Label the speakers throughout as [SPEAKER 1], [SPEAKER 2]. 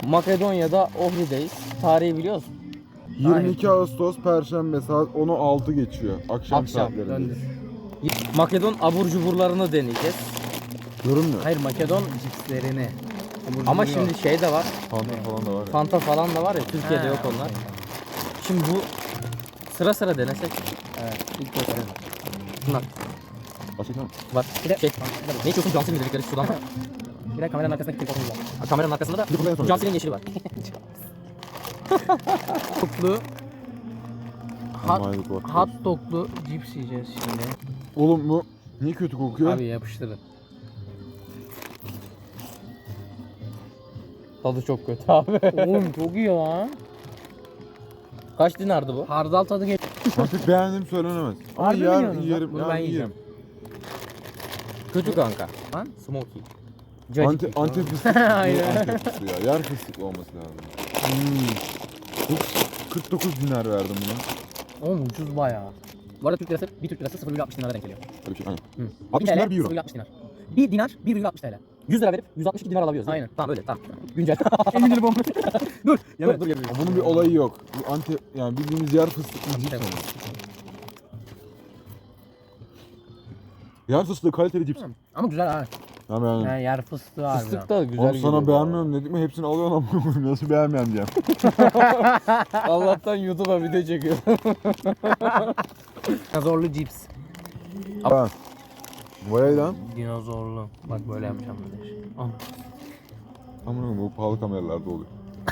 [SPEAKER 1] Makedonya'da Ohri'deyiz. Tarihi biliyor musun?
[SPEAKER 2] 22 Ağustos Perşembe saat 10'u 6 geçiyor. Akşam saatlerinde.
[SPEAKER 3] Döndür.
[SPEAKER 1] Makedon abur cuburlarını deneyeceğiz.
[SPEAKER 2] Görünmüyor.
[SPEAKER 3] Hayır, Makedon cipslerini.
[SPEAKER 1] Ama şimdi şey de var.
[SPEAKER 2] Fanta falan da var ya.
[SPEAKER 1] Fanta falan da var ya, Türkiye'de yok onlar. Şimdi bu sıra denesek.
[SPEAKER 3] Evet. İlk gösterelim.
[SPEAKER 1] Bunlar
[SPEAKER 2] Açık mı?
[SPEAKER 1] var.
[SPEAKER 3] Bir de
[SPEAKER 1] Şey, ne içiyorsun? Cansil'in dedikleri sudan var.
[SPEAKER 3] Bir de kameranın arkasındaki telefonumuz var.
[SPEAKER 1] Kameranın arkasında da Cansil'in yeşili var.
[SPEAKER 3] Toplu
[SPEAKER 2] Amaylık var.
[SPEAKER 3] hot doglu cips yiyeceğiz şimdi.
[SPEAKER 2] Oğlum bu niye kötü kokuyor?
[SPEAKER 3] Abi yapıştırın.
[SPEAKER 1] Tadı çok kötü abi.
[SPEAKER 3] Oğlum çok iyi lan.
[SPEAKER 1] Kaç dinardı bu?
[SPEAKER 3] Hardal tadı geliyor.
[SPEAKER 2] Artık beğendiğim söylenemez. Ama
[SPEAKER 3] Harbi mi
[SPEAKER 2] yer,
[SPEAKER 3] yiyorsunuz lan?
[SPEAKER 2] yerim.
[SPEAKER 3] Bunu
[SPEAKER 2] Yani
[SPEAKER 3] ben
[SPEAKER 2] yerim.
[SPEAKER 3] yiyeceğim.
[SPEAKER 1] Kötü kanka.
[SPEAKER 3] Lan?
[SPEAKER 1] Smoky.
[SPEAKER 2] Antep fıstık.
[SPEAKER 3] Aynen.
[SPEAKER 2] Antep fıstığı ya. Yer fıstıklı olması lazım. Bu 49 dinar verdim buna.
[SPEAKER 3] Oğlum ucuz bayağı.
[SPEAKER 1] Bu arada Türk lirası, bir Türk lirası 0,60 dinara denk geliyor.
[SPEAKER 2] Öyle bir şey. Aynen.
[SPEAKER 3] Hı.
[SPEAKER 2] 60 dinar 1 euro.
[SPEAKER 3] 0,60 dinar. 1 dinar 1,60 TL.
[SPEAKER 1] 100 lira verip 162 dinar alabiliyoruz.
[SPEAKER 3] Aynen.
[SPEAKER 1] Tamam öyle tamam. Güncel.
[SPEAKER 3] 50 lira bomba.
[SPEAKER 1] dur yemedim.
[SPEAKER 2] Bunun bir olayı yok. Bu Antep yani bildiğimiz yer fıstıklı cips ama. Yer fıstığı kaliteli cips.
[SPEAKER 3] Ama güzel ha.
[SPEAKER 2] Ya yani.
[SPEAKER 3] Yani yer fıstığı harbiden.
[SPEAKER 1] Fıstık da güzel
[SPEAKER 2] Oğlum
[SPEAKER 1] geliyor.
[SPEAKER 2] sana beğenmiyorum dedik mi hepsini alıyorsun ama nasıl beğenmeyeyim diyeceğim.
[SPEAKER 1] Allah'tan YouTube'a video çekiyor.
[SPEAKER 3] Dinozorlu cips.
[SPEAKER 2] Ha. Vay lan.
[SPEAKER 3] Dinozorlu. Bak böyle yapacağım bir de. Al.
[SPEAKER 2] Aman bu pahalı kameralarda oluyor.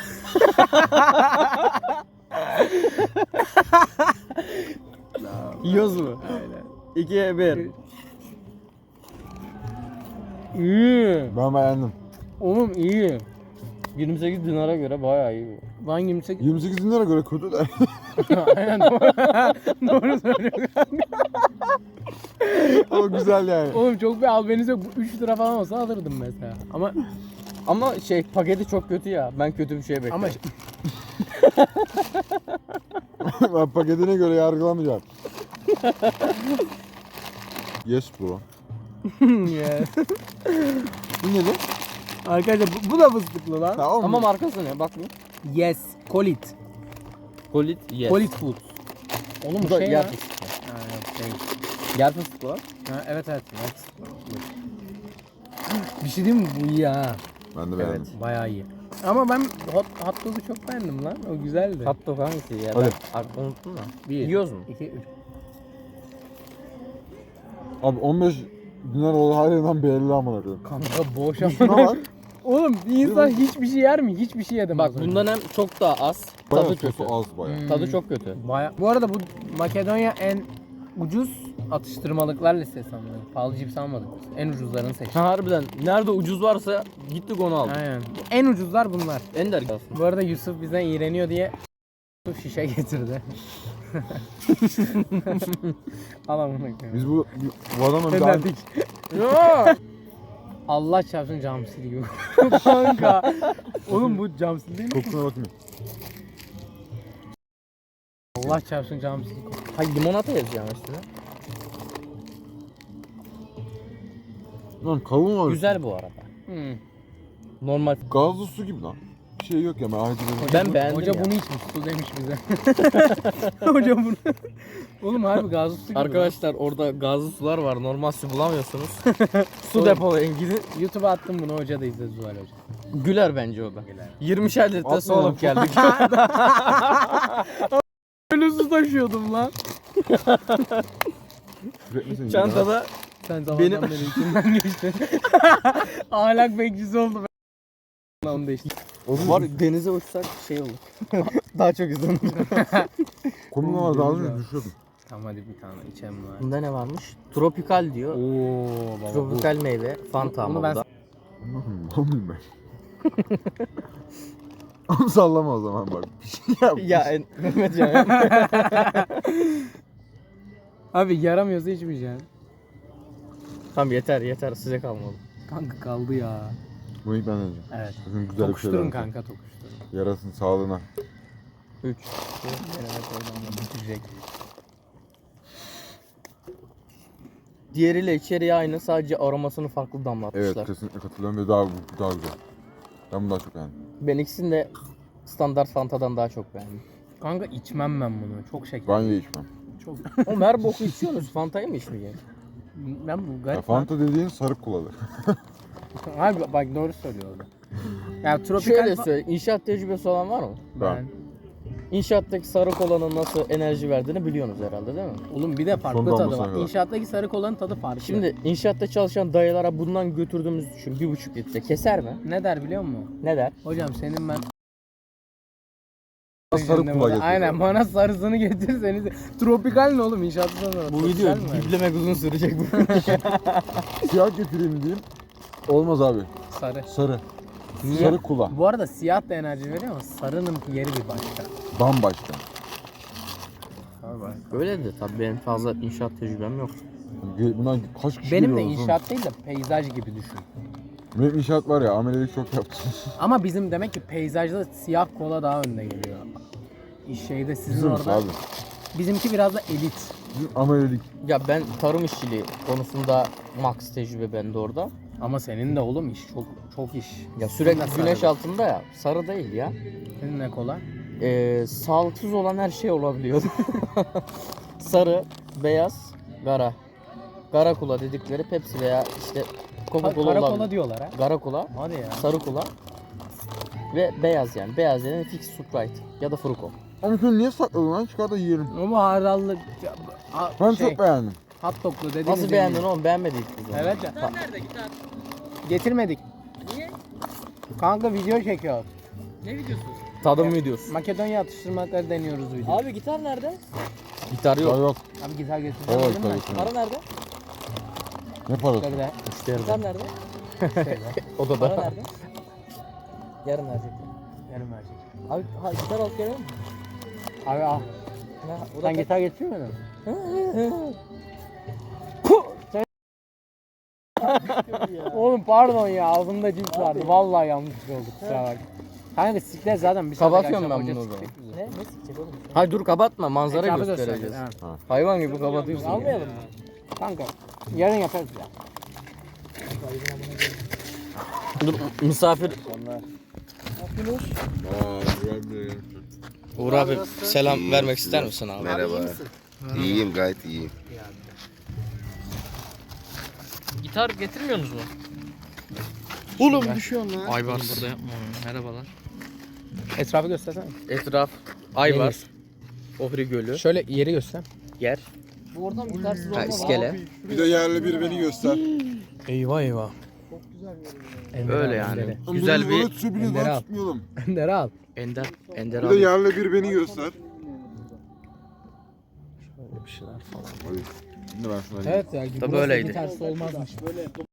[SPEAKER 1] Yiyoruz mu? Aynen. 2'ye 1.
[SPEAKER 3] İyi.
[SPEAKER 2] Ben beğendim.
[SPEAKER 3] Oğlum iyi.
[SPEAKER 1] 28 dinara göre bayağı iyi bu.
[SPEAKER 3] Lan 28.
[SPEAKER 2] 28 dinlere göre kötü de.
[SPEAKER 3] Aynen doğru. Doğru söylüyorsun.
[SPEAKER 2] Ama güzel yani.
[SPEAKER 3] Oğlum çok bir albenisi yok. Bu 3 lira falan olsa alırdım mesela.
[SPEAKER 1] Ama şey paketi çok kötü ya. Ben kötü bir şey bekliyorum.
[SPEAKER 3] Ama
[SPEAKER 2] Ben paketine göre yargılamayacağım. Yes bro.
[SPEAKER 3] yes.
[SPEAKER 2] Bu ne lan?
[SPEAKER 3] Arkadaşlar bu da fıstıklı lan.
[SPEAKER 2] Tamam
[SPEAKER 1] Ama
[SPEAKER 2] mı?
[SPEAKER 1] markası ne? Bak bu.
[SPEAKER 3] Yes. Kolit.
[SPEAKER 1] Kolit yes.
[SPEAKER 3] Kolit food. Oğlum
[SPEAKER 1] Bu
[SPEAKER 3] bu
[SPEAKER 1] da
[SPEAKER 3] şey
[SPEAKER 1] yer
[SPEAKER 3] ya.
[SPEAKER 1] fıstıklı.
[SPEAKER 3] Ha, yok, şey.
[SPEAKER 1] Yer fıstıklı var.
[SPEAKER 3] Ha, evet. Bir şey diyeyim mi? Bu iyi ha.
[SPEAKER 2] Ben de beğendim.
[SPEAKER 3] Bayağı iyi. Ama ben hot dog'u çok beğendim lan. O güzeldi.
[SPEAKER 1] Hot dog hangisi ya?
[SPEAKER 2] Hadi.
[SPEAKER 1] Ben unuttum da.
[SPEAKER 3] 1,
[SPEAKER 1] Yiyoruz mu?
[SPEAKER 3] 2, 3.
[SPEAKER 2] Abi 15 dinar olduğu halinden belli amına koyayım.
[SPEAKER 3] Kanka boş
[SPEAKER 2] Şuna
[SPEAKER 3] ama.
[SPEAKER 2] bak.
[SPEAKER 3] Oğlum bir insan hiçbir şey yer mi? Hiçbir şey yedim.
[SPEAKER 1] Bak
[SPEAKER 3] az önce.
[SPEAKER 1] bundan hem çok daha az.
[SPEAKER 2] Bayağı
[SPEAKER 1] Tadı
[SPEAKER 2] sosu
[SPEAKER 1] kötü.
[SPEAKER 2] az bayağı.
[SPEAKER 1] Tadı çok kötü.
[SPEAKER 3] Bu arada bu Makedonya en ucuz atıştırmalıklar listesi sanırım. Pahalı cips almadık biz. En ucuzlarını seçtik.
[SPEAKER 1] Ha, harbiden nerede ucuz varsa gittik onu aldık.
[SPEAKER 3] Aynen. En ucuzlar bunlar.
[SPEAKER 1] Ender aslında.
[SPEAKER 3] Bu arada Yusuf bizden iğreniyor diye şişe getirdi. Al amına koyayım.
[SPEAKER 2] Biz bu adamla bir daha
[SPEAKER 3] Dedik. Allah çarpsın camsil gibi. Kanka. Oğlum bu camsil değil mi?
[SPEAKER 2] kokusuna bakmıyor.
[SPEAKER 3] Allah çarpsın camsil.
[SPEAKER 1] Ha limonata yazacağım üstüne.
[SPEAKER 2] Lan kavun var.
[SPEAKER 1] Güzel bu arada.
[SPEAKER 3] Hmm.
[SPEAKER 1] Normal.
[SPEAKER 2] Gazlı su gibi lan. Bir şey yok ya ben acı
[SPEAKER 1] Ben beğendim
[SPEAKER 3] Hoca
[SPEAKER 1] ya.
[SPEAKER 3] bunu içmiş. Su demiş bize. Hoca bunu. Oğlum harbi gazlı su gibi.
[SPEAKER 1] Arkadaşlar orada gazlı sular var. Normal su bulamıyorsunuz. Su
[SPEAKER 3] Oğlum.
[SPEAKER 1] depolayın gidin.
[SPEAKER 3] lan. YouTube'a attım bunu, hoca da izledi Zuhal Hoca.
[SPEAKER 1] Güler bence o da.
[SPEAKER 3] Güler.
[SPEAKER 1] 20'şer litre su
[SPEAKER 2] Atma
[SPEAKER 1] alıp geldik.
[SPEAKER 3] Öyle su taşıyordum lan.
[SPEAKER 2] Üretmesin ya.
[SPEAKER 1] Çantada
[SPEAKER 3] Sen zamandan
[SPEAKER 1] Benim-
[SPEAKER 3] beri içinden geçtin. Ahlak bekçisi oldu. Onu değişti.
[SPEAKER 2] Oğlum
[SPEAKER 1] var denize uçsak şey olur. Daha çok izlenir.
[SPEAKER 2] komik ama daha önce düşüyordum.
[SPEAKER 3] Tamam hadi bir tane içelim lan.
[SPEAKER 1] Bunda ne varmış? Tropikal diyor.
[SPEAKER 3] Oo baba.
[SPEAKER 1] Tropikal meyve. Fanta
[SPEAKER 3] Bunu
[SPEAKER 1] ama
[SPEAKER 3] ben-
[SPEAKER 1] bu da.
[SPEAKER 2] Anlamıyorum ben. Ama sallama o zaman bak. Bir şey yap.
[SPEAKER 1] Mehmet ya.
[SPEAKER 3] Abi yaramıyorsa içmeyeceksin.
[SPEAKER 1] Tamam yeter size kalmadı.
[SPEAKER 3] Kanka kaldı ya.
[SPEAKER 2] Bunu ilk ben deneyeceğim.
[SPEAKER 3] Evet.
[SPEAKER 2] Bakın güzel bir şey
[SPEAKER 3] Tokuşturun
[SPEAKER 2] deneyeceğim.
[SPEAKER 3] kanka tokuşturun.
[SPEAKER 2] Yarasın sağlığına.
[SPEAKER 1] 3.
[SPEAKER 3] Evet oradan da bitirecek.
[SPEAKER 1] Diğeriyle içeriği aynı, sadece aromasını farklı
[SPEAKER 2] Evet
[SPEAKER 1] damlatmışlar.
[SPEAKER 2] kesinlikle katılıyorum ve daha güzel. Ben bunu daha çok beğendim.
[SPEAKER 1] Ben ikisini de standart Fanta'dan daha çok beğendim.
[SPEAKER 3] Kanka içmem ben bunu. Çok şeker.
[SPEAKER 2] Ben de içmem.
[SPEAKER 3] Çok.
[SPEAKER 1] Oğlum her boku içiyorsunuz. Fanta'yı mı içmeyeceksin?
[SPEAKER 3] Ben bu
[SPEAKER 2] Ya
[SPEAKER 3] garip.
[SPEAKER 2] Fanta dediğin sarı kolalı.
[SPEAKER 3] Abi bak doğru söylüyor orada. Ya tropikal
[SPEAKER 1] Şöyle söyle. İnşaat tecrübesi olan var mı?
[SPEAKER 3] ben.
[SPEAKER 1] İnşaattaki sarı kolanın nasıl enerji verdiğini biliyorsunuz herhalde değil mi?
[SPEAKER 3] Oğlum bir de farklı
[SPEAKER 2] Son
[SPEAKER 3] tadı
[SPEAKER 2] damlasına
[SPEAKER 3] var.
[SPEAKER 2] kadar.
[SPEAKER 3] İnşaattaki sarı kolanın tadı farklı.
[SPEAKER 1] Şimdi inşaatta çalışan dayılara bundan götürdüğümüzü düşün. 1,5 litre keser mi?
[SPEAKER 3] ne der biliyor musun?
[SPEAKER 1] Ne der?
[SPEAKER 3] Hocam senin ben
[SPEAKER 2] Sarı kola getir.
[SPEAKER 3] Aynen bana sarısını getirseniz. Tropikal ne oğlum inşaattan sonra?
[SPEAKER 1] Bu video biplemek uzun sürecek bu.
[SPEAKER 2] Siyah getireyim diyeyim. Olmaz abi.
[SPEAKER 3] Sarı.
[SPEAKER 2] Sarı.
[SPEAKER 3] Niye?
[SPEAKER 2] Sarı kola.
[SPEAKER 3] Bu arada siyah da enerji veriyor ama sarının yeri bir başka.
[SPEAKER 2] Bambaşka.
[SPEAKER 1] Öyle de tabii benim fazla inşaat tecrübem yok.
[SPEAKER 2] Bundan kaç kişi
[SPEAKER 3] Benim de
[SPEAKER 2] geliyor oğlum?
[SPEAKER 3] inşaat değil de peyzaj gibi düşün.
[SPEAKER 2] Benim inşaat var ya amelelik çok yaptım.
[SPEAKER 3] Ama bizim demek ki peyzajda siyah kola daha önde geliyor. Şeyde sizin
[SPEAKER 2] Bizim
[SPEAKER 3] orada.
[SPEAKER 2] abi.
[SPEAKER 3] Bizimki biraz da elit.
[SPEAKER 2] Bizim amelelik.
[SPEAKER 1] Ya ben tarım işçiliği konusunda max tecrübe bende orada.
[SPEAKER 3] Ama senin de oğlum iş çok iş.
[SPEAKER 1] Ya sürekli
[SPEAKER 3] Senin de
[SPEAKER 1] güneş
[SPEAKER 3] sarı.
[SPEAKER 1] altında ya. Sarı değil ya.
[SPEAKER 3] Senin ne kola?
[SPEAKER 1] Sağlıksız olan her şey olabiliyor. Sarı, beyaz, gara. Gara kola dedikleri Pepsi veya işte Coca-Cola
[SPEAKER 3] Kara
[SPEAKER 1] olabilir.
[SPEAKER 3] kola diyorlar ha.
[SPEAKER 1] Gara kola,
[SPEAKER 3] Hadi ya.
[SPEAKER 1] sarı kola ve beyaz yani. Beyaz yani fix Sprite ya da Fruko.
[SPEAKER 2] Ama şunu niye sakladın lan? Çıkar da yiyelim.
[SPEAKER 3] Ama hardallı
[SPEAKER 2] Ben
[SPEAKER 3] şey,
[SPEAKER 2] çok beğendim.
[SPEAKER 3] hot doglu dediğiniz
[SPEAKER 1] Nasıl beğendin oğlum? Beğenmedik biz onu.
[SPEAKER 3] Evet ya. Getirmedik. Niye? Kanka video çekiyor.
[SPEAKER 1] Tadım videosu.
[SPEAKER 3] Makedonya atıştırmaları deniyoruz video.
[SPEAKER 4] Abi gitar nerede?
[SPEAKER 1] Gitar
[SPEAKER 2] Yok.
[SPEAKER 1] yok.
[SPEAKER 2] Yok.
[SPEAKER 3] Abi gitar getireceğim
[SPEAKER 2] Evet,
[SPEAKER 3] dedim ben.
[SPEAKER 2] tabii.
[SPEAKER 4] Para nerede?
[SPEAKER 2] Ne parası?
[SPEAKER 3] Şöyle
[SPEAKER 1] Müşteri.
[SPEAKER 4] Gitar nerede?
[SPEAKER 3] şeyler.
[SPEAKER 1] O da
[SPEAKER 4] Para
[SPEAKER 1] da.
[SPEAKER 4] nerede? Yarın verecekler.
[SPEAKER 3] Yarım verecek.
[SPEAKER 4] Abi gitar alıp gelelim mi?
[SPEAKER 3] Abi al.
[SPEAKER 4] Ne? O
[SPEAKER 3] Sen
[SPEAKER 4] da
[SPEAKER 3] gitar getirmedin mi? Oğlum pardon ya ağzımda cips vardı. Vallahi yanlış oldu kusura bak. Kanka siklet zaten bir
[SPEAKER 1] Kapatıyorum
[SPEAKER 3] saate
[SPEAKER 1] ben
[SPEAKER 3] akşam
[SPEAKER 1] bunu o
[SPEAKER 3] hoca
[SPEAKER 1] zaman.
[SPEAKER 3] sikecek bizi.
[SPEAKER 4] ne? Ne sikecek oğlum?
[SPEAKER 1] Hayır dur kapatma manzara
[SPEAKER 3] Etrafı
[SPEAKER 1] göstereceğiz.
[SPEAKER 3] göstereceğiz, ha.
[SPEAKER 1] Hayvan gibi kapatıyorsun. ya.
[SPEAKER 4] Almayalım mı?
[SPEAKER 3] Kanka yarın yaparız ya.
[SPEAKER 1] Dur misafir. Uğur abi selam vermek ister misin abi?
[SPEAKER 5] Merhaba. İyiyim, gayet iyiyim.
[SPEAKER 6] Gitar getirmiyorsunuz mu?
[SPEAKER 5] Oğlum düşüyorsun lan.
[SPEAKER 6] Aybars burada yapma. Merhabalar.
[SPEAKER 3] Etrafı göstersene.
[SPEAKER 1] Etraf Ayvar. Ohri Gölü.
[SPEAKER 3] Şöyle yeri göster.
[SPEAKER 1] Yer.
[SPEAKER 4] Bu oradan gitarsız
[SPEAKER 1] Ha,
[SPEAKER 4] olmaz
[SPEAKER 1] iskele.
[SPEAKER 2] Bir de yerli bir beni göster.
[SPEAKER 3] Eyvah eyvah.
[SPEAKER 1] Öyle yani. Güzel bir
[SPEAKER 3] Ender al.
[SPEAKER 2] tutmayalım.
[SPEAKER 3] Ender al.
[SPEAKER 1] ender
[SPEAKER 2] Bir de
[SPEAKER 1] abi.
[SPEAKER 2] yerli bir beni göster.
[SPEAKER 3] Böyle bir şeyler falan.
[SPEAKER 2] Şimdi ben şuna
[SPEAKER 3] Evet ya.
[SPEAKER 1] Tabii öyleydi.
[SPEAKER 3] Gitarsız olmazmış.